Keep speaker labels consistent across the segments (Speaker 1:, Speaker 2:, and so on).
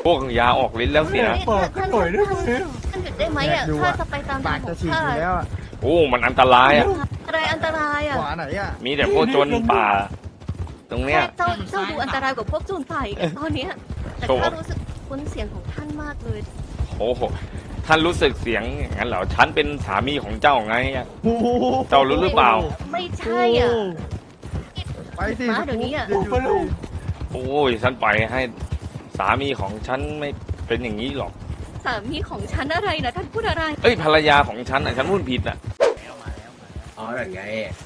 Speaker 1: พวกยาออกฤทธิ์แล้วสินะ
Speaker 2: ท่านหยุดได้ไหมอ่ะข้าจะไปตามทางของข้า
Speaker 1: โอ้มันอันตรายอ่ะ
Speaker 2: อะไรอันตรายอ่ะ
Speaker 1: มีแต่พวกโจรป่า ตรงเนี้ย
Speaker 2: เจ้าดูอันตรายกว่าพวกโจรป่าอีกตอนนี้แต่ข้ารู้สึกคุ้นเสียงของท่านมากเลย
Speaker 1: โอ้โหท่านรู้สึกเสียงอย่างนั้นเหรอฉันเป็นสามีของเจ้าไงอะเจ้ารู้หรือเปล่า
Speaker 2: ไม่ใช่อ่ะ
Speaker 3: ไปสิ
Speaker 2: มาเดี๋ยวนี้อ่ะ
Speaker 1: โอ้ยฉันปล่อยให้สามีของฉันไม่เป็นอย่างนี้หรอก
Speaker 2: สามีของฉันอะไรนะท่านพูดอะไร
Speaker 1: เอ้ยภรรยาของฉันอ่ะฉันพูดผิดอ่ะ
Speaker 4: อ๋อนั่นไง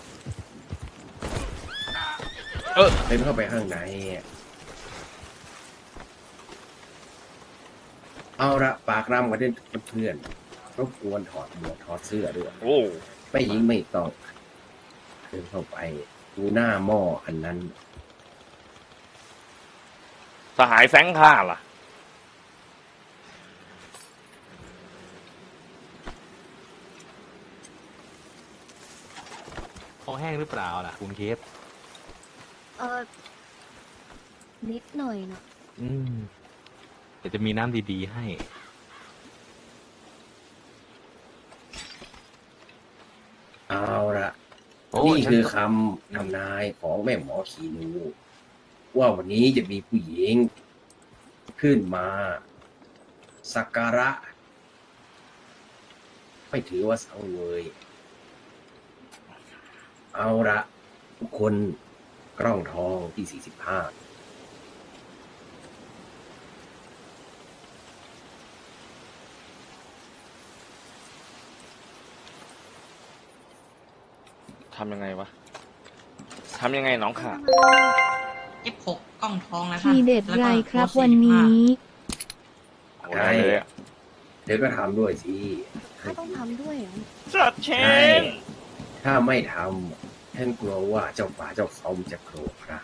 Speaker 1: เออ
Speaker 4: เดินเข้าไปข้างในเอาละปากรำกันเด่นเพื่อนรบกวนถอดหมวกถอดเสื้อด้วย
Speaker 1: โอ้
Speaker 4: ไม่ยิงไม่ต้องเดินเข้าไปดูหน้าหม้ออันนั้น
Speaker 1: สหายแสงข้าล่ะ
Speaker 5: คอแห้งหรือเปล่าล่ะคุณเคส
Speaker 2: นิดหน่อยนะ
Speaker 5: เดี๋ยวจะมีน้ำดีๆให้
Speaker 4: เอาละ
Speaker 5: โอ้
Speaker 4: นี่
Speaker 5: ฉัน
Speaker 4: คือคำทำนายของแม่หมอขีนูว่าวันนี้จะมีผู้หญิงขึ้นมาสักการะ ไม่ถือว่าสังเวย เอาละทุกคนกล้องทองที่ 45
Speaker 1: ทำยังไงวะ ทำยังไงน้องค่ะ
Speaker 6: F6 กล้องทองนะคะ
Speaker 7: ทีเด็ดไรครับวันนี้
Speaker 1: โอ้ได้เลยอะ
Speaker 4: เดี๋ยวก็ทำด้วยสิ
Speaker 2: ข้าต้องทำด้วยเหรอ
Speaker 1: จัดเช
Speaker 4: ใช่
Speaker 1: น
Speaker 4: ถ้าไม่ทำท่านกลัวว่าเจ้าป่าเจ้าเขาจะโกรธครับ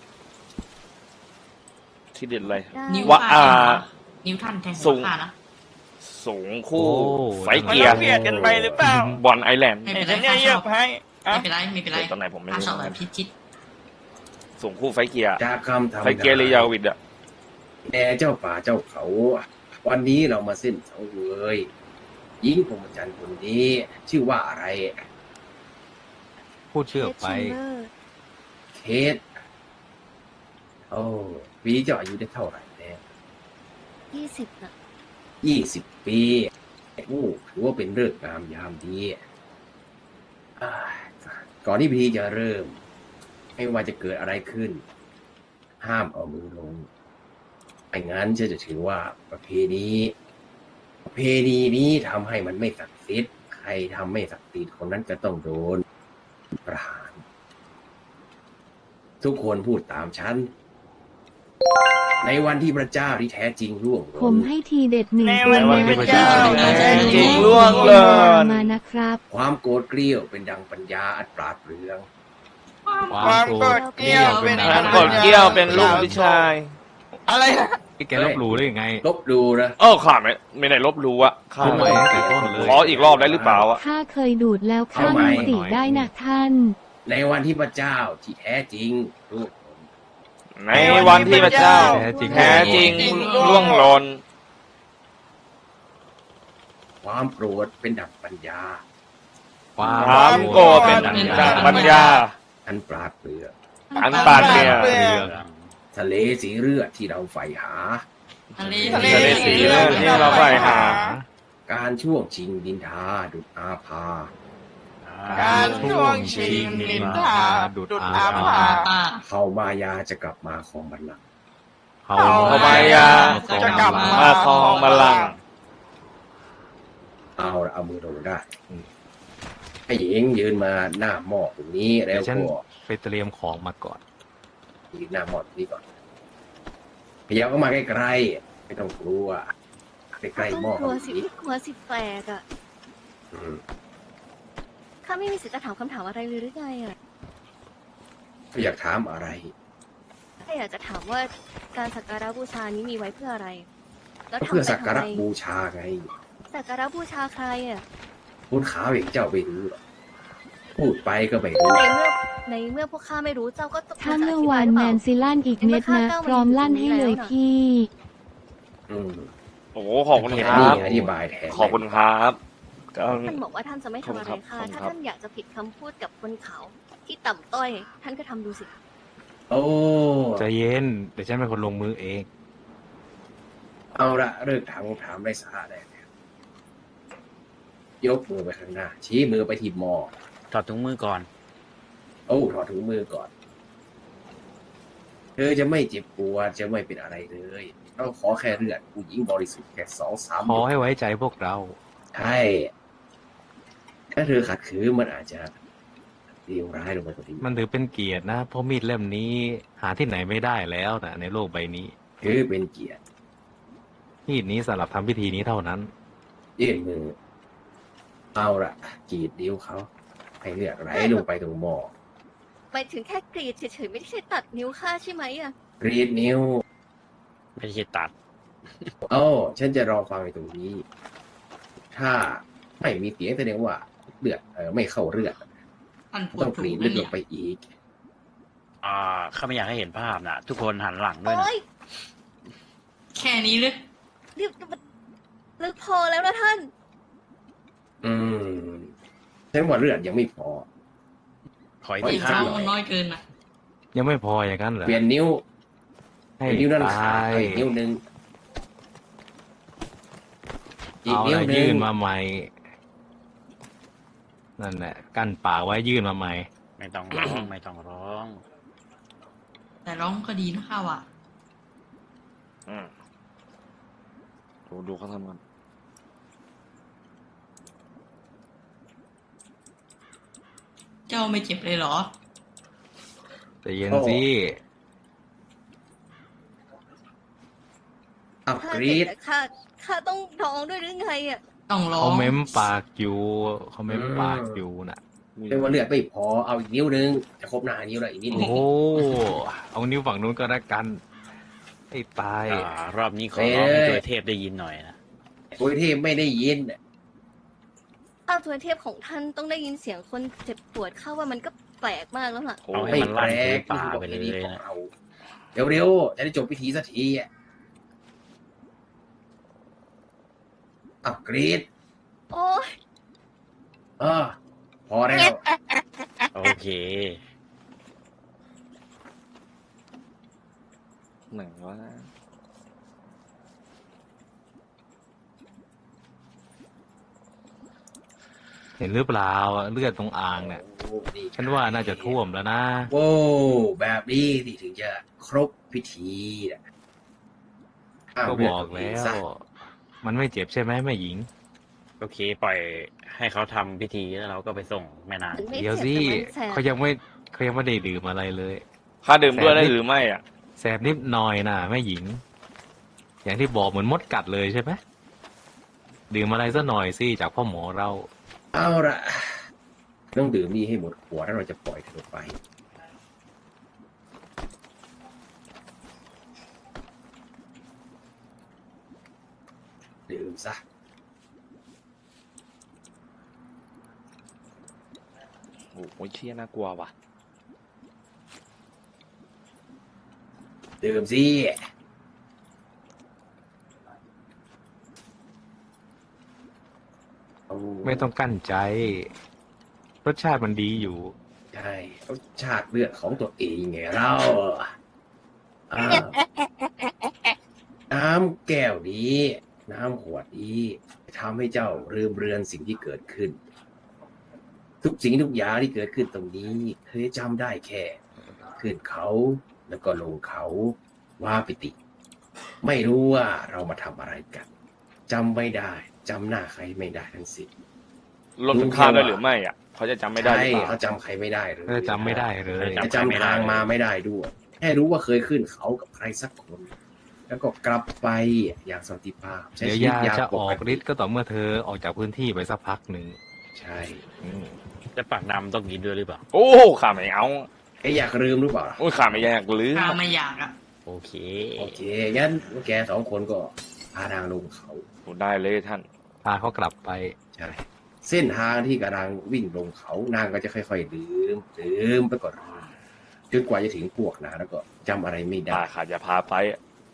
Speaker 1: ที่เด็ดเลย
Speaker 2: ได้
Speaker 6: นิ้ว
Speaker 1: ว่า
Speaker 6: ท่านนิ้วท่านแทง
Speaker 1: สู
Speaker 6: หัว
Speaker 1: ง
Speaker 6: ข้านะ
Speaker 1: สูงคู่
Speaker 5: โอ้
Speaker 1: ไฟเกียร์
Speaker 8: เบียดกันไปหรือเปล่า
Speaker 1: บอลไอแลนด์
Speaker 6: ไม่
Speaker 8: เห็
Speaker 6: เป็น นไร
Speaker 8: ฉันเนี่ย
Speaker 6: ข้าช
Speaker 8: เยีย
Speaker 6: อ
Speaker 8: บบ ให้อะ
Speaker 6: ไม่เป็นไรไม่เป็นไร
Speaker 1: ตอนไหนผมไม่
Speaker 6: ข้า
Speaker 1: รู้
Speaker 6: ชอบแบบพิชิต
Speaker 1: สูงคู่ไฟเกียร์
Speaker 4: จากคำทำ
Speaker 1: ไฟเกียร์เลยยาวิดอะ
Speaker 4: แต่เจ้าป่าเจ้าเขา วันนี้เรามาเส้นสังเวยหญิงพรหมจรรย์คนนี้ ชื่อว่าอะไร
Speaker 5: พูดชื่อออกไป
Speaker 4: เคสโอ้ปีเจ้าอายุได้เท่าไหร่แล้ว
Speaker 2: 20น่ะ
Speaker 4: 20 ปีโอ้ถือว่าเป็นฤกษ์งามยามดีอ่าก่อนที่พิธีจะเริ่ม ไม่ว่าจะเกิดอะไรขึ้น ห้ามเอามือลงไม่งั้นจะถือว่าประเพณีนี้ทำให้มันไม่ศักดิ์สิทธิ์ใครทำไม่ศักดิ์สิทธิ์คนนั้นจะต้องโดนประหาร ทุกคนพูดตามฉัน ในวันที่พระเจ้าที่แท้จริงร่วงห
Speaker 7: ผม
Speaker 4: ล่น
Speaker 7: ให้ทีเด็ดหนึ่ง
Speaker 8: ใน
Speaker 7: ตัว
Speaker 8: วันที่พระเจ้า
Speaker 1: จริงล่วงเลย
Speaker 7: มานะครับ
Speaker 4: ความโกรธเกรี้ยวเป็นดังปัญญาอันปราดเปรื่อง
Speaker 5: ความโกรธเกลี้ยวเป็น
Speaker 1: ท่านกดเกี้ยวเป็นลูกผู้ชาย
Speaker 8: อะไรนะ
Speaker 5: แกลบหลู่ได้ยังไง
Speaker 4: ลบดูนะ
Speaker 1: ข้าไม่ได้ลบหลู่อะข้า
Speaker 5: พูดใหม่ตั้งแต่ต้นเลย
Speaker 1: ขออีกรอบได้หรือเปล่าอะ
Speaker 7: ข้าเคยดูดแล้วข้า
Speaker 4: เอาใหม่
Speaker 7: มีสติได้นะท่าน
Speaker 4: ในวันที่พระเจ้าที่แท้จริงร่วงหล่น
Speaker 1: ในวันที่พระเจ้า แท้จริงล่วงหล่น
Speaker 4: ความโกรธเป็นดังปัญญา
Speaker 1: ความโกรธเป็นดังปัญญา
Speaker 4: อันปราดเปรื่อง
Speaker 1: อันปาดเปรีย
Speaker 5: เรื่อง
Speaker 4: ทะเลสีเลือดที่เราใฝ่หา
Speaker 6: ทะเล
Speaker 1: ทะเลสีเลือดที่เราใฝ่หา
Speaker 4: การช่วงชิงดินทาดุจอาภา
Speaker 8: การช่วงชิงนินทาดุดอาภา
Speaker 6: อ่า
Speaker 4: เขามายาจะกลับมาของบัลลังก์
Speaker 5: เขา
Speaker 1: เขามายา
Speaker 8: จะกลับ
Speaker 1: มาครองบัลลังก์
Speaker 4: เอาละเอามือลงได้ให้หญิงยืนมาหน้าหม้อตรงนี้แล้ว
Speaker 5: เดี๋ยวฉัน
Speaker 4: ก็
Speaker 5: ไปเตรียมของมาก่อน
Speaker 4: ยืนหน้าหม้อตรงนี้ก่อนพยายามเข้ามาใกล้ๆไม่ต้องกลัวใกล้ๆหม้อ
Speaker 2: กลัวสิ
Speaker 4: นี้
Speaker 2: กลัวสิแปลกอ่ะ
Speaker 4: อืม
Speaker 2: ข้าไม่มีสิทธิ์จะถามคำถามอะไรเลยหรือไงอ่ะ
Speaker 4: อยากถามอะไร
Speaker 2: ข้าอยากจะถามว่าการสักการะบูชานี้มีไว้เพื่ออะไร แล้ว
Speaker 4: ก็
Speaker 2: ทำ
Speaker 4: เพื่อ
Speaker 2: ไป
Speaker 4: สักการะ
Speaker 2: ทำไม
Speaker 4: บูชาไง
Speaker 2: สักการะบูชาใครอ่ะ
Speaker 4: พูดขาวอย่างเจ้าไม่รู้หรอกพูดไปก็ไม่รู้
Speaker 2: ในเมื่อพวกข้าไม่รู้เจ้าก็ต้อง
Speaker 7: ถ้าเมื่อวานแมนซิลั่นอีกเม็ดนะ พร้อมลั่นให้เลยพี่
Speaker 4: อือืม
Speaker 1: โอ้โหขอบคุณค
Speaker 4: แค่
Speaker 1: รั
Speaker 4: นี้
Speaker 1: บ
Speaker 4: อธิบายแทน
Speaker 1: ขอบคุณครับก็
Speaker 2: ท่านบอกว่าท่านจะไม่ทำอะไรค่ะ
Speaker 1: ขอบคุณครับ
Speaker 2: ถ้าท่านอยากจะผิดคำพูดกับคนเขาที่ต่ำต้อย ท่านก็ทำดูสิ
Speaker 4: โอ้
Speaker 5: ใจเย็น เดี๋ยวฉันเป็นคนลงมือเอง
Speaker 4: เอาละเลิกถามคำถามไร้สาระได้แล้วยกมือไปข้างหน้า ชี้มือไปที่หมอ
Speaker 9: ถอดถุงมือก่อน
Speaker 4: โอ้ถอดถุงมือก่อน เธอจะไม่เจ็บปวดจะไม่เป็นอะไรเลยเราขอแค่เลือดผู้หญิงบริสุทธิ์แค่2-3
Speaker 5: ขอให้ไว้ใจพวกเรา
Speaker 4: ใช่ถ้าเธอขัดขืนมันอาจจะเลวร้ายลงไปกว่านี้
Speaker 5: มันถือเป็นเกียรตินะ เพราะมีดเล่มนี้หาที่ไหนไม่ได้แล้วนะในโลกใบนี้
Speaker 4: คือเป็นเกียรติ
Speaker 5: มีดนี้สำหรับทำพิธีนี้เท่านั้น
Speaker 4: ยื่นมือ เอาละกรีดนิ้วเขาให้เลือดไหลลงไปตรงหม้อ
Speaker 2: ไปถึงแค่กรีดเฉยๆไม่ได้ใช่ตัดนิ้วค่าใช่ไหมอะ
Speaker 4: กรีดนิ้ว
Speaker 9: ไม่ใช่ตัด
Speaker 4: เอ้าฉันจะรอฟังในตรงนี้ ถ้าไม่มีเสียงแสดงว่าเลือดไม่เข้าเลือด
Speaker 6: ท่านพูด
Speaker 4: ต้องก
Speaker 6: ถู
Speaker 4: รี
Speaker 6: ก
Speaker 4: ด
Speaker 6: นะ
Speaker 4: ลึกล
Speaker 6: เนี่ย
Speaker 4: งไปอีก
Speaker 9: ข้าไม่อยากให้เห็นภาพนะทุกคนหันหลังด้วย
Speaker 2: โอ๊
Speaker 9: นะ
Speaker 2: ย
Speaker 6: แค่นี้เลย
Speaker 2: รีบลึกพอแล้วนะท่าน
Speaker 4: อืมฉันว่าเลือดยังไม่พอ
Speaker 9: ขออีก
Speaker 4: ขอ
Speaker 9: ที
Speaker 4: อีก
Speaker 9: ค
Speaker 4: สั
Speaker 9: รั
Speaker 4: ก
Speaker 9: บ
Speaker 4: หน่อย
Speaker 6: มันน้อยเกินนะ
Speaker 5: ยังไม่พออย่างนั้นเหรอ
Speaker 4: เปลี่ยนนิ้ว
Speaker 5: ให้
Speaker 4: นิ้วด้าน
Speaker 5: ตา
Speaker 4: ขาด
Speaker 5: ย
Speaker 4: อีกนิ้วหนึ่งอีก
Speaker 5: เอา
Speaker 4: นิ้ว
Speaker 5: ละ
Speaker 4: หนึ่
Speaker 5: ยื่
Speaker 4: ง
Speaker 5: นมาใหม่ นั่นแหละ กั้นปากไว้ยื่นมาใหม่
Speaker 9: ไม่ต้องร้อง ไม่ต้องร้อง
Speaker 6: แต่ร้องก็ดีนะข้าว่ะ
Speaker 1: อืมดูเขาทำกัน
Speaker 6: เจ้าไม่เจ็บเลยเหรอ
Speaker 5: แต่เย็นสิ
Speaker 4: อัพ
Speaker 2: ข้าก
Speaker 4: รี
Speaker 2: เจ็บ
Speaker 4: ด
Speaker 2: แต่ข้าต้องร้องด้วยหรือไงอะ
Speaker 6: ต้องร้อ
Speaker 5: เขา
Speaker 6: ง
Speaker 5: เม้มปากอยู่เขาเม้มปากอยู่น่ะ
Speaker 4: เรียกว่าเลือดไม่พอเอาอีกนิ้วหนึ่งจะครบหน้านิ้วแล้วอีกนิดหนึ
Speaker 5: โอ้
Speaker 4: ง
Speaker 5: โหเอานิ้วฝั่งนู้นก็แล้วกันไอ้ตาย
Speaker 9: รอบนี้ขอร้องให้ตัวเทพได้ยินหน่อยนะ
Speaker 4: โอ้ยเทพไม่ได้ยิน
Speaker 2: อ้าวตัวเทพของท่านต้องได้ยินเสียงคนเจ็บปวดเข้าว่ามันก็แปลกมากแล้วล่ะ
Speaker 1: โอ้
Speaker 9: เอา
Speaker 1: ย
Speaker 9: ให้
Speaker 4: ไม่
Speaker 9: มัน
Speaker 4: แป
Speaker 9: ลั่
Speaker 4: ล
Speaker 9: นพื้
Speaker 4: ก
Speaker 9: นป่า
Speaker 4: นี่คือ
Speaker 9: ไป
Speaker 4: ประ
Speaker 9: เล
Speaker 4: เพณี
Speaker 9: ย
Speaker 4: ของ
Speaker 9: นะ
Speaker 4: เราเร็วๆจะได้จบพิธีสักทีอ่ะอัพกรีด
Speaker 2: โอ้ย
Speaker 4: พอแล้ว
Speaker 9: โอเค
Speaker 1: ไหนวะ
Speaker 5: เห็นหรือเปล่าเลือดตรงอ่างเนี่ย
Speaker 4: โอ้ดี
Speaker 5: ฉันว่าน่าจะท่วมแล้วนะ
Speaker 4: โว้แบบนี้ที่ถึงจะครบพิธีนะห้าม
Speaker 5: ก็
Speaker 4: เลื
Speaker 5: บ
Speaker 4: ด
Speaker 5: อก
Speaker 4: ตรง
Speaker 5: แล้
Speaker 4: นี้
Speaker 5: ว
Speaker 4: ซะ
Speaker 5: มันไม่เจ็บใช่ไหมแม่หญิง
Speaker 9: โอเค ปล่อยให้เขาทำพิธีแล้วเราก็ไปส่งแม่นาง
Speaker 2: มันไม่
Speaker 5: เดี๋ยว
Speaker 2: เจ็บ
Speaker 5: สิ
Speaker 2: แต่มันแสบ
Speaker 5: เขายังไม่ได้ดื่มอะไรเลย
Speaker 1: ค่าดื่มด้วยได้หรือไม่อ่ะ
Speaker 5: แสบนิดหน่อยนะแม่หญิง อย่างที่บอกเหมือนมดกัดเลยใช่ไหมดื่มอะไรซะหน่อยสิจากพ่อหมอเรา
Speaker 4: เอาละต้องดื่มนี่ให้หมดขวดแล้วเราจะปล่อยเธอไปดื่มซะ
Speaker 1: โอ้ยเชี่ยน่ากลัวว่ะ
Speaker 4: ดื่มสิเอา
Speaker 5: ไม่ต้องกั้นใจ รสชาติมันดีอยู่
Speaker 4: ใช่รสชาติเลือดของตัวเองไงเราอ่าน้ำแก้วนี้ น้ำขวดนี้ทำให้เจ้าลืมเรือนสิ่งที่เกิดขึ้น ทุกสิ่งทุกอย่างที่เกิดขึ้นตรงนี้เธอจำได้แค่ขึ้นเขาแล้วก็ลงเขาว่าปิติ ไม่รู้ว่าเรามาทำอะไรกันจำไม่ได้จำหน้าใครไม่ได้ทั้งสิ้น
Speaker 1: ลดคุณค่าได้หรือไม่อ่ะ เขาจะจำไม่ได้หรือ
Speaker 4: ใช่
Speaker 1: เปล่า
Speaker 4: เขาจำใครไม่ได้เลย
Speaker 5: จำไม่ได้เลย
Speaker 4: จะจำทางมาไม่ได้ด้วยแค่รู้ว่าเคยขึ้นเขากับใครสักคน แล้วก็กลับไปอย่างสันติภาพใช้
Speaker 5: เดี๋ยว
Speaker 4: ชีวิต
Speaker 5: ยา
Speaker 4: อย่าง
Speaker 5: จะ
Speaker 4: ป
Speaker 5: ออก
Speaker 4: กติ
Speaker 5: ฤทธิ์ก็ต่อเมื่อเธอออกจากพื้นที่ไปสักพักหนึ่ง
Speaker 4: ใช่
Speaker 5: อืม
Speaker 9: จะปากดำต้องกินด้วยหรือเปล่า
Speaker 1: โอ้ข้าไม่เอา
Speaker 4: แกอยากลืมหรือเปล่า
Speaker 1: โอ้ยข้าไม่อยากลืม
Speaker 6: ข้าไม่อยากอ่ะ
Speaker 9: โอเค
Speaker 4: โอเคงั้นแกสองคนก็พาทางลงเขา
Speaker 1: โอ้ได้เลยท่าน
Speaker 5: พาเขากลับไป
Speaker 4: ใช่เส้นทางที่กำลังวิ่งลงเขานางก็จะค่อยๆดื่มไปก่อนจนกว่าจะถึงพวกนะแล้วก็จำอะไรไม่ได้
Speaker 1: ข้าจะพาไปอะ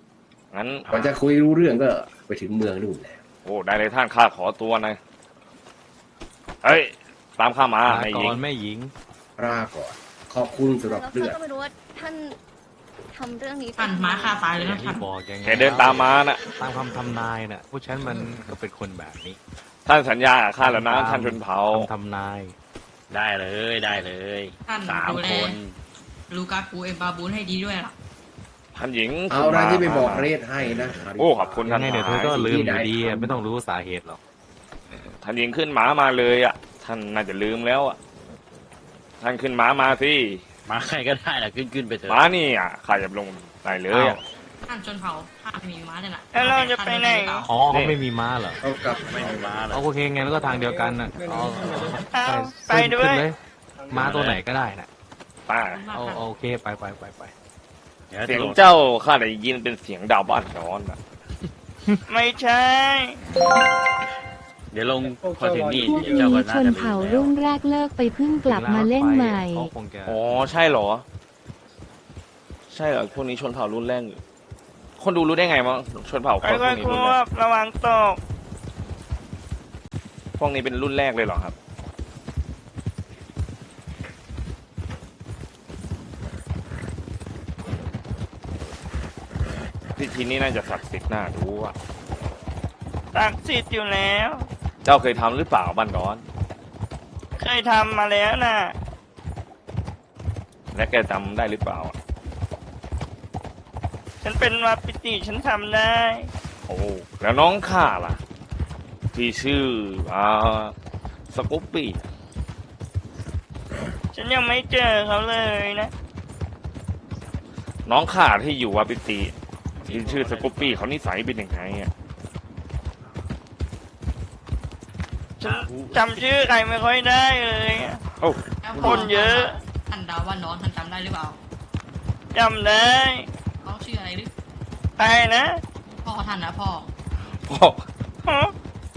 Speaker 1: งั้น
Speaker 4: กว่าจะคุยรู้เรื่องก็ไปถึงเมืองนู่นแล้ว
Speaker 1: โอ้ได้เลยท่านข้าขอตัวหนะเฮ้ยตามข้ามา
Speaker 5: ลา
Speaker 1: ไม่
Speaker 5: ก่
Speaker 1: ยิ
Speaker 5: อง นแม่หญิง
Speaker 4: ลาก่อนขอบคุณสำหรับ
Speaker 2: แล้ว
Speaker 4: เลือ
Speaker 2: ข้า
Speaker 4: ด
Speaker 2: ก็ไม่รู้ว่าท่านทำเรื่องนี้
Speaker 6: ท่านม้าฆ่าตายเลย
Speaker 5: อย่า
Speaker 6: นะ
Speaker 5: ง
Speaker 6: ท่า
Speaker 5: ที่
Speaker 6: น
Speaker 5: บอกยังไง
Speaker 1: แกเดินตามมาน่ะ
Speaker 5: ตามคำทำนายน่ะผู้ฉันมันก็เป็นคนแบบนี้
Speaker 1: ท่านสัญญากับข้าแล้วนะท่านชนเผ่า
Speaker 5: คำทำนาย
Speaker 9: ได้เลยได้เลย
Speaker 6: ท่าน
Speaker 9: สาม
Speaker 6: ดูแล
Speaker 9: คน
Speaker 6: ลูกากูเอ็มบาบูนให้ดีด้วยล่ะ
Speaker 1: ท่านหญิง
Speaker 4: เอาอะไรที่ไปบอกเรศให้นะ
Speaker 1: โอ้ขอบคุณ
Speaker 5: ยั
Speaker 1: ท่าน
Speaker 5: งไงเดี๋ยวเธอก็ลืมอยู่ดีอะไม่ต้องรู้สาเหตุหรอก
Speaker 1: ท่านหญิงขึ้นหมามาเลยอ่ะท่านน่าจะลืมแล้วอ่ะท่านขึ้นหมามาสิ
Speaker 9: มาใครก็ได้แหละขึ้นไปเถ
Speaker 1: หมา
Speaker 9: อะ
Speaker 1: นี่อ่ะข้าจะลงได้เลยอ่ะ
Speaker 6: ท่านชนเผ่าข้ามีม้าเนี่ยแหละ
Speaker 8: แล้วเราจะไปไหน
Speaker 5: อ๋อเขาไม่มีม้าเหรอ
Speaker 4: เอากลับ
Speaker 9: ไม่มีม้าเลย
Speaker 5: เอาโอเคงั้นก็ทางเดียวกันน่ะอ๋อ
Speaker 8: เอาไปด้วย
Speaker 5: ขึ้นเลยม้าตัวไหนก็ได้น่ะ
Speaker 1: ป้า
Speaker 5: เอาโอเคไป
Speaker 9: ดี๋ยว
Speaker 1: เสียง
Speaker 9: ตำรวจ
Speaker 1: เจ้าข้าได้ยินเป็นเสียงดาวบ้านนอนอ่ะ
Speaker 8: ไม่ใช่
Speaker 9: เดี๋ยวลงพอถึงนี่
Speaker 7: พวก
Speaker 9: เดี๋ยวเจ้า
Speaker 7: นี้
Speaker 9: ก็
Speaker 7: ช
Speaker 9: น่าจะ
Speaker 7: น
Speaker 9: ลืม
Speaker 7: เผ่า
Speaker 9: แล้ว
Speaker 7: รุ่นแรกเลิกไปเพิ่งกลับมาเล่นใหม่
Speaker 5: เขาคงจะ
Speaker 1: อ๋อใช่เหรอ ใช่เหรอพวกนี้ชนเผ่ารุ่นแรกคนดูรู้ได้ไงมั้งชนเผ่าคนพ
Speaker 8: ค่
Speaker 1: ว
Speaker 8: อก ย
Speaker 1: นี้
Speaker 8: ๆค
Speaker 1: รุ่น
Speaker 8: ว
Speaker 1: แรก
Speaker 8: บระวังตก
Speaker 1: พวกนี้เป็นรุ่นแรกเลยเหรอครับ พิธีนี้น่าจะศักดิ์สิทธิ์น่าดูอ่ะ
Speaker 8: ตักสิทธิ์อยู่แล้ว
Speaker 1: เจ้าเคยทำหรือเปล่าบ้านร้อน
Speaker 8: เคยทำมาแล้วน่ะ
Speaker 1: และแกจำได้หรือเปล่าอะ
Speaker 8: ฉันเป็นวาปิติฉันทำได้
Speaker 1: โอ้แล้วน้องข้าล่ะ ที่ชื่อสกูปปี้
Speaker 8: ฉันยังไม่เจอเขาเลยนะ
Speaker 1: น้องข้าที่อยู่วาปิติที่ชื่อสกูปปี้เขานิสัยเป็นยังไงอ่ะ
Speaker 8: ฉันจำชื่อใครไม่ค่อยได้เลยอะ
Speaker 1: โอ้
Speaker 8: คนเยอะ
Speaker 6: ท่านดาวว่าน้องท่านจำได้หรือเปล่า
Speaker 8: จำได้
Speaker 6: เขาชื่ออะไรหรือ
Speaker 8: ใครนะ
Speaker 6: พ่อท่านนะพ่อ
Speaker 1: พ่อ
Speaker 8: ฮะ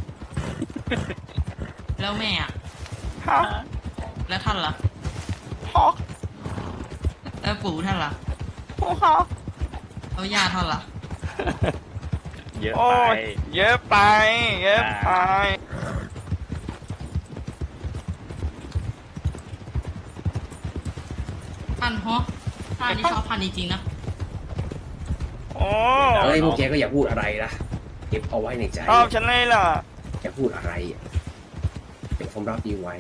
Speaker 6: แล้วแม่อะ
Speaker 8: ฮะ
Speaker 6: แล้วท่านล่ะ
Speaker 8: ฮะ
Speaker 6: แล้วปู่ท่านล่ะ
Speaker 8: ฮะ
Speaker 6: แล้วย่าท่านล่ะ
Speaker 9: เยอะ
Speaker 8: โอ้
Speaker 9: ไป
Speaker 8: ยเยอะไป เยอะไป
Speaker 6: ท่านฮะท่านนี่ชอบท่านจริงๆนะ
Speaker 8: โอ้
Speaker 4: เฮ้ยพวกแกก็อย่าพูดอะไรนะเก็บเอาไว้ในใจ
Speaker 8: ชอบฉันเลยเหรอ
Speaker 4: อย่าพูดอะไรอะเก็บความรักดีไว้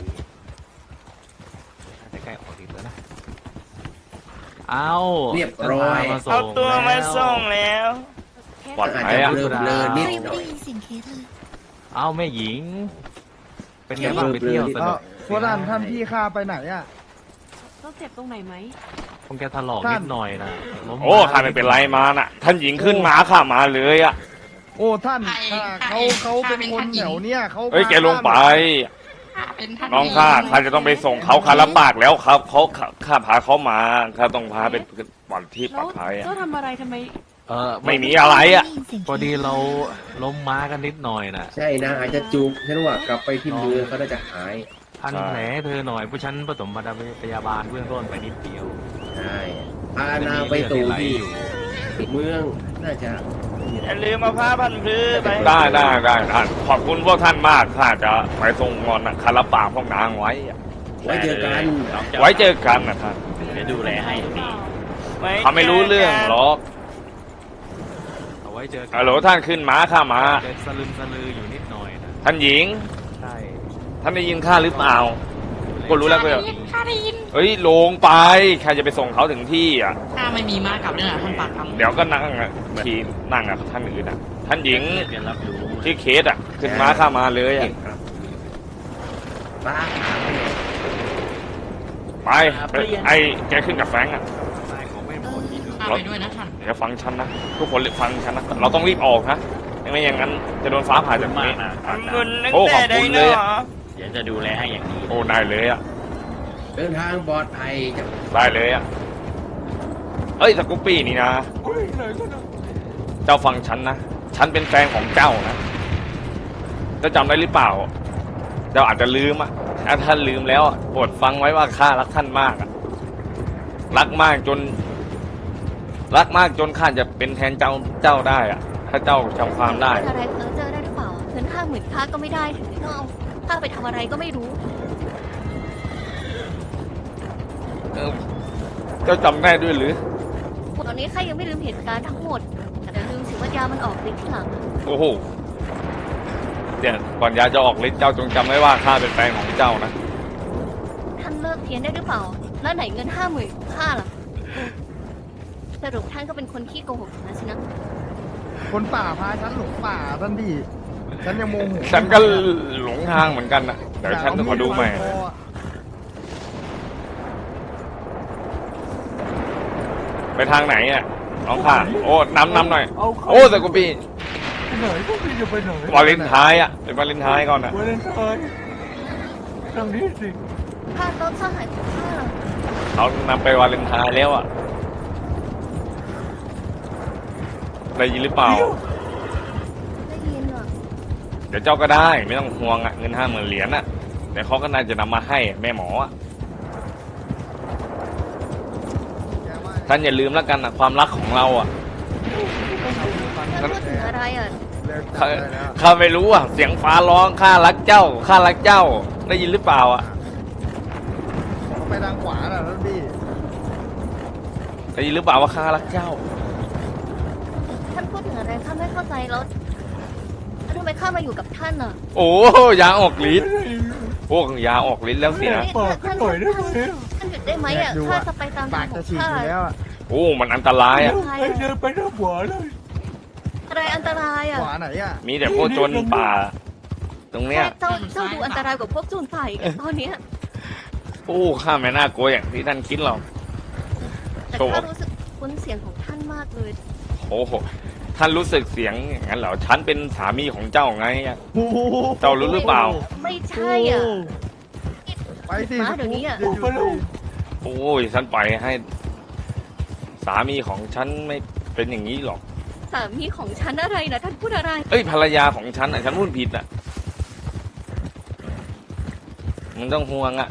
Speaker 5: จะใกล้ออกทีแล้วนะเอา
Speaker 4: เรียบร้อย
Speaker 5: มาส่ง
Speaker 8: เอาตัวมาส่ง
Speaker 5: แล้ว
Speaker 8: แล้ว
Speaker 1: ปลอด
Speaker 4: อาจ
Speaker 1: ภัย
Speaker 4: จะ
Speaker 1: อ่ะ
Speaker 4: เบลอๆนิด
Speaker 7: ไม่
Speaker 4: หน่อย
Speaker 7: ได้ยินเสียงเคสเลย
Speaker 5: เอาแม่หญิง เป็นไงบ้างไปเที่ยวสนุก
Speaker 3: พวกท่านพี่ข้าไปไหนอ่ะ
Speaker 7: ต้องเจ็บตรงไหนไหม
Speaker 5: คงแกถลอกนิดหน่อยนะล้ม
Speaker 1: โอ้ข้าไม่เป็นไรมาน่ะ ท่านหญิงขึ้นมาข้ามาเลยอ่ะ
Speaker 3: โอ้ท่าน
Speaker 6: ใคร
Speaker 3: เขาเป็นคนแถวเนี้ยเขา
Speaker 1: เฮ้ยแกลงไป
Speaker 6: ข้าเป็นท่าน
Speaker 1: น้องข้าจะต้องไปส่งเขาคารับปากแล้วครับเขาข้าพาเขามาข้าต้องพาไปปลอดที่ปลอดภัยอะ
Speaker 7: เจ้าทำอะไรทำไม
Speaker 1: ไม่มีอะไรอ่ะ
Speaker 5: พอดีเราล้มม้ากันนิดหน่อยนะ
Speaker 4: ใช่นะอาจจะจุกฉันว่ากลับไปที่เมืองเขาน่าจะหาย
Speaker 5: พันแผลเธอหน่อยผู้ฉันผสมพยาบาลเบื้องต้นไปนิดเดียว
Speaker 4: ใช่พานางไปสู่ที่เมืองน่าจะ
Speaker 8: อย่าลืมมาผ้าพันพื้ไป
Speaker 1: ได้ท่านขอบคุณพวกท่านมากข้าจะไปส่งงอนคารับปากพวกนางไว้อะ
Speaker 4: ไว้เจอกัน
Speaker 9: น้องจ้า
Speaker 1: ไว้เจอกันนะท่าน
Speaker 9: เดี๋ยวดูแลให้ตรงนี้
Speaker 1: เขาไม่รู้เรื่องหรอก
Speaker 5: เอาไว้เจอกั
Speaker 1: ฮัลโหลท่านขึ้นม้าข้ามา
Speaker 5: จะสลึมสลืออยู่นิดหน่อยนะ
Speaker 1: ท่านหญิง
Speaker 5: ใช่
Speaker 1: ท่านได้ยินข้าหรือเปล่า ก็รู้แล้วก็
Speaker 6: ข้าได้ยิน
Speaker 1: เฮ้ยลงไปใครจะไปส่งเขาถึงที่อ่ะ
Speaker 6: ข้าไม่มีม้ากลับด้วยนะท่านปากคำ
Speaker 1: เดี๋ยวก็นั่งอ่ะขี่นั่งอ่ะท่านอื่นอ่ะ ท่านหญิง
Speaker 9: เดี๋ยวรับรู้
Speaker 1: ที่เคสอ่ะ ขึ้นม้าข้ามาเลย
Speaker 4: เก่
Speaker 1: อ่ะ
Speaker 4: งครับป้า
Speaker 1: ไปไอ้แกขึ้นกับแฟรงค์อ่ะ
Speaker 5: นายของแม่หมดที่ดู
Speaker 6: ข้าไปด้วยนะท่าน
Speaker 1: เดี๋ยวฟังฉันนะทุกคนฟังฉันนะเราต้องรีบออกนะไม่อย่างนั้นจะโดนฟ้าผ่าจาก
Speaker 9: มา
Speaker 1: นี้
Speaker 9: กนะ
Speaker 8: ทำบุญตั้ง
Speaker 1: โอ้
Speaker 8: แต่
Speaker 1: ขอบ
Speaker 8: ได้
Speaker 1: คุณ
Speaker 8: เน
Speaker 1: เลย
Speaker 8: อะ
Speaker 1: อะ
Speaker 9: เดี๋ยวจะดูแลให้อย่างดี
Speaker 1: โอ้ได้เลยอ่ะ
Speaker 4: เดินทางปลอดภัยจะ
Speaker 1: ได้เลยอ่ะเอ้ยสกูปปี้นี่นะเจ้าฟังฉันนะฉันเป็นแฟนของเจ้านะเจ้าจำได้หรือเปล่าเจ้าอาจจะลืมอ่ะถ้าท่านลืมแล้วอะโปรดฟังไว้ว่าข้ารักท่านมากอะรักมากจนรักมากจนข้าจะเป็นแทนเจ้าได้อะถ้าเจ้าจำความได้
Speaker 2: อะไรเพ้อเจอได้หรือเปล่าเงิน50,000ข้าก็ไม่ได้ถึงต้องเอาข้าไปทำอะไรก็ไม่รู้
Speaker 1: เจ้าจำได้ด้วยหรือ
Speaker 2: ตอนนี้ข้ายังไม่ลืมเหตุการณ์ทั้งหมด แต่ลืมสิว่ายามันออกฤทธิ์ที่หลัง
Speaker 1: โอ้โหเนี่ยก่อนยาจะออกฤทธิ์เจ้าจงจำไว้ว่าข้าเป็นแฟนของเจ้านะ
Speaker 2: ท่านเลิกเพี้ยนได้หรือเปล่า แล้วไหนเงิน50,000ของข้าล่ะ สรุปท่านก็เป็นคนขี้โกหกนะสินะ
Speaker 3: คนป่าพาฉันหลงป่าท่านพี่ฉันยังโมโห
Speaker 1: ฉันก็หลงทางเหมือนกันนะเดี๋ยวฉันจะขอดูใหม่ ไปทางไหนอ่ะน้องค่ะโอ้นำหน่อย โอ้แต่กูปี
Speaker 8: ไปไหนพวกพี่จะไปไหน
Speaker 1: วาเลนไทน์อ่ะเป็นวาเลนไทน์ก่อนนะ
Speaker 8: วาเลนไทน์ทางนี้สิ
Speaker 2: ข้าต้นสหายของข้าล่ะ
Speaker 1: เขานำไปวาเลนไทน์แล้วอ่ะได้ยินหรือเปล่า
Speaker 2: ได้ยินอ่ะ
Speaker 1: เดี๋ยวเจ้าก็ได้ไม่ต้องห่วงอ่ะเงิน50,000 เหรียญอ่ะแต่เขาก็น่าจะนำมาให้แม่หมออ่ะท่านอย่าลืมแล้วกันอ่ะความรักของเราอ่ะ
Speaker 2: ท่านพูดถึงอะไรอ่ะ
Speaker 1: ข้าไม่รู้อ่ะเสียงฟ้าร้องข้ารักเจ้าข้ารักเจ้าได้ยินหรือเปล่าอ่ะ
Speaker 3: ไปทางขวาน่ะท่านพี่
Speaker 1: ได้ยินหรือเปล่าว่าข้ารักเจ้า
Speaker 2: ท่านพูดถึงอะไรข้าไม่เข้าใจแล้วทำไมข้ามาอยู่กับท่านอ่ะ
Speaker 1: โอ้ยาออกฤทธิ์พวกยาออกฤทธิ์แล้วสินะ
Speaker 8: ปากก็ต่อยได้ไหม
Speaker 2: ท่านหยุดได้ไหมอ่ะข้าจะไปตาม
Speaker 3: ปา
Speaker 2: ทาก งข
Speaker 3: จะ
Speaker 2: อง
Speaker 3: ฉีก
Speaker 2: ข้า
Speaker 3: อยู่แล้วอะ
Speaker 1: โอ้มันอันตรายอ่ะ
Speaker 8: ไอ้เดินไปหน้าขวาเลย
Speaker 2: อะไรอันตรายอ่ะ
Speaker 3: ขวาไหนอ่ะ
Speaker 1: มีแต่พวกโจรป่า ตรงเนี้ย
Speaker 2: ใช่เจ้าดูอันตรายกว่าพวกโจรป่าอีกอะตอนเนี้ย
Speaker 1: โอ้ข้าไม่น่ากลัวอย่างที่ท่านคิดหรอก
Speaker 2: แต่
Speaker 1: โชว์
Speaker 2: ข้ารู้สึกคุ้นเสียงของท่านมากเลย
Speaker 1: โอ้โหท่านรู้สึกเสียงอย่างนั้นเหรอฉันเป็นสามีของเจ้าไงอะ
Speaker 3: โอ้โห
Speaker 1: เจ้ารู้หรือเปล่า
Speaker 2: ไม่ใช่อ่ะ
Speaker 3: ไปสิ
Speaker 2: มาเดี๋ยวนี้อะ
Speaker 3: หยุดสิ
Speaker 1: โอ้ยฉันปล่อยให้ สามีของฉันไม่เป็นอย่างนี้หรอก
Speaker 2: สามีของฉันอะไรนะท่านพูดอะไร
Speaker 1: เอ้ยภรรยาของฉันอ่ะฉันพูดผิดอ่ะมันต้องห่วงอ่ะ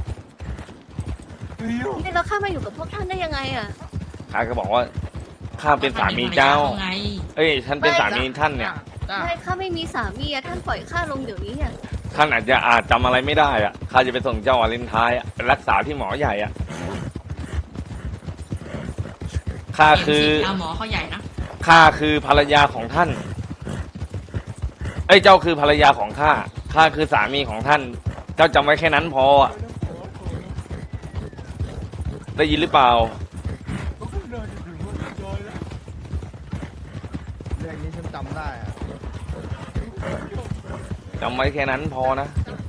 Speaker 2: นี่แล้วข้ามาอยู่กับพวกท่านได้ยังไงอ่ะ
Speaker 1: ข้าก็บอกว่าข้าเป็นสามีเจ้า
Speaker 6: ไง
Speaker 1: เอ้ยฉันเป็นสามีท่านเนี่ย
Speaker 3: จ้ะ
Speaker 2: ไม่ข้าไม่มีสามีอะท่านปล่อยข้าลงเดี๋ยวนี้อ่ะ
Speaker 1: ท่านอาจจำอะไรไม่ได้อ่ะข้าจะไปส่งเจ้าวาเลนไทน์อะไปรักษาที่หมอใหญ่อ่ะข้าคือ
Speaker 6: เอาหมอเขาใหญ่นะ
Speaker 1: ข้าคือภรรยาของท่าน เอ้ยเจ้าคือภรรยาของข้า ข้าคือสามีของท่าน เจ้าจำไว้แค่นั้นพออะได้ยินหรือเปล่า
Speaker 3: เรื่องนี้ฉันจำได้อะ
Speaker 1: จำไว้แค่นั้นพอนะ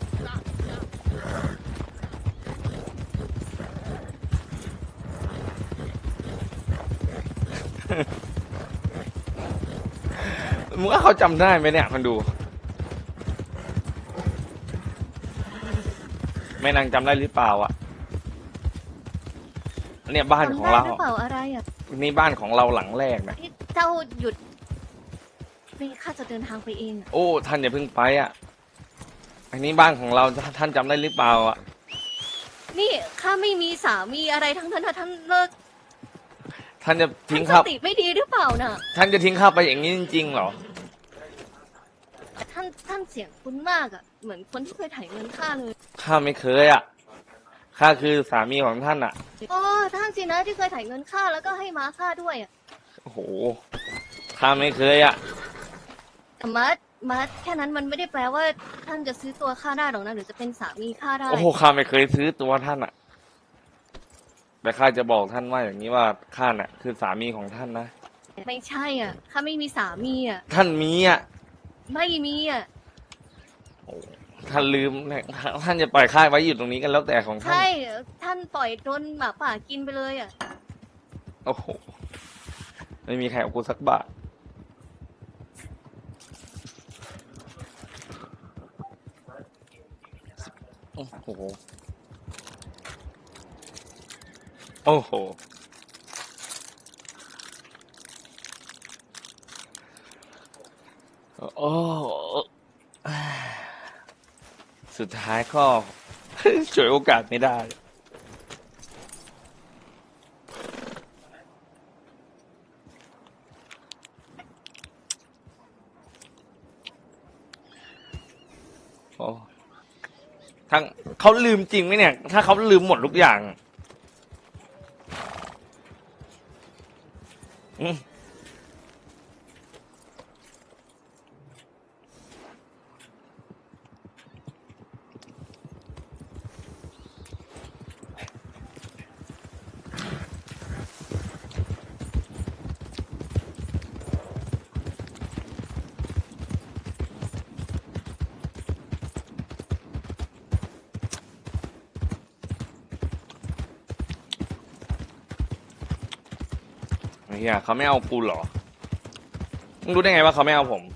Speaker 1: มึงว่าเขาจำได้ไหมเนี่ยคนดู แม่นางจำได้หรือเปล่าอ่ะเนี่ยบ้านของเรา
Speaker 2: จำได้หรือเปล่าอะไรอ่ะ
Speaker 1: นี่บ้านของเราหลังแรกนะ
Speaker 2: ที่เจ้าหยุดนี่ข้าจะเดินทางไปเองอ่ะ
Speaker 1: โอ้ท่านอย่าเพิ่งไปอ่ะ อันนี้บ้านของเราท่านจำได้หรือเปล่าอ่ะ
Speaker 2: นี่ข้าไม่มีสามีอะไรทั้งนั้นนะท่านเลิก
Speaker 1: ท่านจะ
Speaker 2: ท่า
Speaker 1: ทิ้
Speaker 2: น
Speaker 1: ง
Speaker 2: ส
Speaker 1: ข้า
Speaker 2: ติไม่ดีหรือเปล่าน่ะ
Speaker 1: ท่านจะทิ้งข้าไปอย่างนี้จริงๆเหรอ
Speaker 2: แต่ท่านเสียงคุ้นมากอ่ะ เหมือนคนที่เคยถ่ายเงินข้าเลย
Speaker 1: ข้าไม่เคยอ่ะ ข้าคือสามีของท่านอ่ะ
Speaker 2: โอ้ท่านสินะที่เคยถ่ายเงินข้าแล้วก็ให้ม้าข้าด้วยอ่ะ
Speaker 1: โอ้โห ข้าไม่เคยอ่ะ
Speaker 2: แต่ม้าแค่นั้นมันไม่ได้แปลว่าท่านจะซื้อตัวข้าได้หรอกนะหรือจะเป็นสามีข้าได้
Speaker 1: โอ้โห ข้าไม่เคยซื้อตัวท่านอ่ะ แต่ข้าจะบอกท่านว่าอย่างนี้ว่าข้าน่ะ คือสามีของท่านนะ
Speaker 2: ไม่ใช่อ่ะข้าไม่มีสามีอ่ะ
Speaker 1: ท่านมีอ่ะ
Speaker 2: ไม่มีอ่ะ
Speaker 1: โอ้ท่านลืมนะท่านจะปล่อยข้าไว้อยู่ตรงนี้กันแล้วแต่ของท่าน
Speaker 2: ใช่ท่านปล่อยโดนหมาป่ากินไปเลยอ่ะ
Speaker 1: โอ้โห ไม่มีใครเอากูสักบาท โอ้โห โอ้โห โอ้ สุดท้ายก็ ช่วยโอกาสไม่ได้โอ้ทั้งเขาลืมจริงไหมเนี่ย ถ้าเขาลืมหมดทุกอย่างอืมเฮียเขาไม่เอากูเหรอมึงรู้ได้ไงว่าเขาไม่เอาผม